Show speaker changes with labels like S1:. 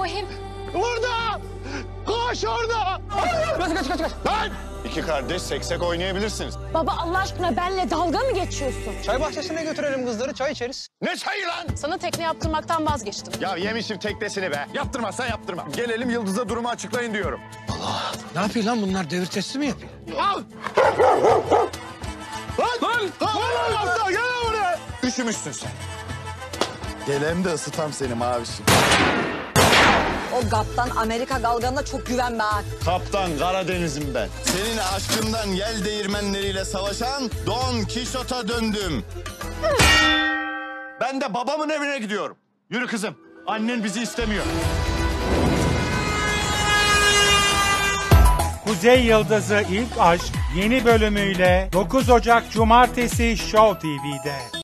S1: bakayım.
S2: Orada! Koş orada!
S1: Kaç.
S2: Lan! İki kardeş seksek oynayabilirsiniz.
S1: Baba Allah aşkına benimle dalga mı geçiyorsun?
S3: Çay bahçesine götürelim kızları, çay içeriz.
S2: Ne çayı lan?
S1: Sana tekne yaptırmaktan vazgeçtim.
S2: Ya yemişim teknesini be. Yaptırmazsan yaptırma. Gelelim Yıldız'a durumu açıklayın diyorum.
S3: Ne yapıyor lan bunlar? Devir testi mi yapıyor?
S2: Al! Lan! Lan! Gel buraya! Üşümüşsün sen. Gelem de ısıtam seni mavişim.
S4: O GAP'tan Amerika galganına çok güvenme ha.
S2: Kaptan Karadeniz'im ben. Senin aşkından yel değirmenleriyle savaşan Don Kişot'a döndüm. Ben de babamın evine gidiyorum. Yürü kızım. Annen bizi istemiyor.
S5: Kuzey Yıldızı İlk Aşk yeni bölümüyle 9 Ocak Cumartesi Show TV'de.